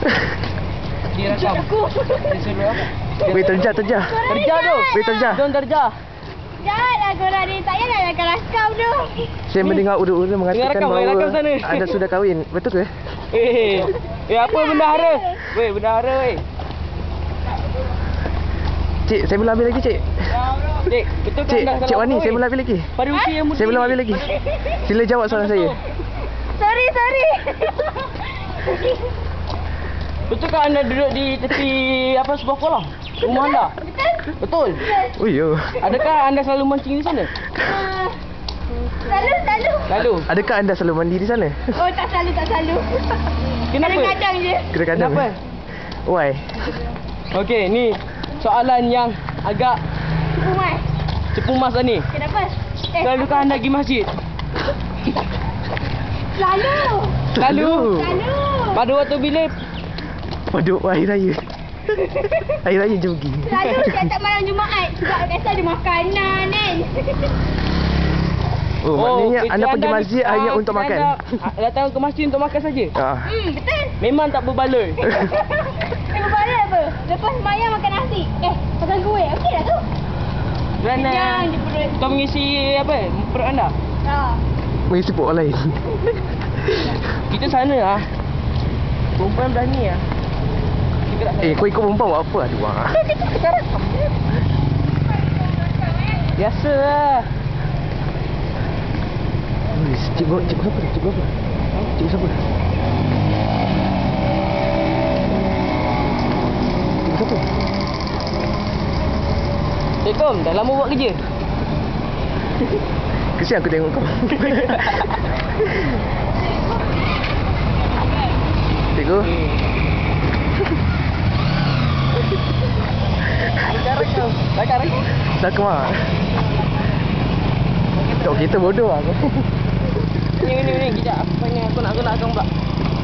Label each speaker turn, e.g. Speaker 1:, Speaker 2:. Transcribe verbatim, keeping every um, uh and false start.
Speaker 1: Direkam. Dia suruh apa?
Speaker 2: Weh, terjah, terjah.
Speaker 1: Terjah tu.
Speaker 2: Weh, terjah.
Speaker 1: Don terjah.
Speaker 3: Janganlah korang ni. Tak payahlah nak rakam tu.
Speaker 2: Saya mendengar urut-urut mengatakan
Speaker 1: rakam,
Speaker 2: bahawa
Speaker 1: rakam sana.
Speaker 2: anda sudah kahwin. Betul ke?
Speaker 1: Eh, eh apa bendahara? Weh, bendahara weh.
Speaker 2: Cik, saya belum habis lagi, cik.
Speaker 1: Cik, betul kan
Speaker 2: Cik,
Speaker 1: anda
Speaker 2: Cik
Speaker 1: salah
Speaker 2: Wani,
Speaker 1: apa,
Speaker 2: saya
Speaker 1: weh?
Speaker 2: belum habis lagi.
Speaker 1: Pada usia yang muda.
Speaker 2: Saya belum
Speaker 1: ni.
Speaker 2: habis lagi. Sila jawab soalan saya.
Speaker 3: Sorry, sorry.
Speaker 1: Betul kan anda duduk di tepi apa sebuah kolam? Rumah anda? Betul.
Speaker 2: Oh, yo.
Speaker 1: Adakah anda selalu mancing di sana?
Speaker 3: Uh, selalu, selalu.
Speaker 1: Lalu.
Speaker 2: Adakah anda selalu mandi di sana?
Speaker 3: Oh, tak selalu, tak selalu.
Speaker 1: Kenapa?
Speaker 3: Kadang-kadang je.
Speaker 2: Kadang-kadang.
Speaker 1: Kenapa?
Speaker 2: Why?
Speaker 1: Okey, ni soalan yang agak
Speaker 3: Cepu mas.
Speaker 1: cepu mas lah ni.
Speaker 3: Kenapa? Eh,
Speaker 1: Selalukah anda pergi masjid?
Speaker 3: Selalu.
Speaker 1: Selalu.
Speaker 3: Selalu.
Speaker 1: Pada waktu bila?
Speaker 2: Pada hari raya. Hari raya je pergi.
Speaker 3: Selalu setiap malam Jumaat. Sebab biasa ada makanan kan.
Speaker 2: Oh, maknanya
Speaker 1: kerja
Speaker 2: anda pergi masjid
Speaker 1: ah,
Speaker 2: hanya untuk
Speaker 1: kerja
Speaker 2: makan.
Speaker 1: Anda, ah, datang ke masjid untuk makan saja.
Speaker 2: Ah.
Speaker 3: Hmm, betul.
Speaker 1: Memang tak berbaloi.
Speaker 3: Tengok balik apa? Lepas semayang makan nasi. Eh, makan kuih. Okey lah tu.
Speaker 1: Kerana
Speaker 3: Kenyang je perut.
Speaker 1: kau mengisi apa? Perut anda.
Speaker 3: Ha.
Speaker 2: Mengisi perut orang lain.
Speaker 1: Kita sana lah. Perempuan berani lah. Kita tak
Speaker 2: Eh, kau ikut perempuan buat apa? Aduh. ah.
Speaker 1: kita rakam. Biasa lah.
Speaker 2: Wih, cikgu, cikgu siapa tu? Cikgu apa? Cikgu siapa? Cikgu siapa?
Speaker 1: Assalamualaikum. Dah lama buat kerja?
Speaker 2: Kesian aku tengok kau. Cikgu.
Speaker 1: Cara kau. Cara kau.
Speaker 2: Sak mak. Tok kita bodoh aku.
Speaker 1: Ni ni ni kejap. Apa ni aku nak aku nak akang pula.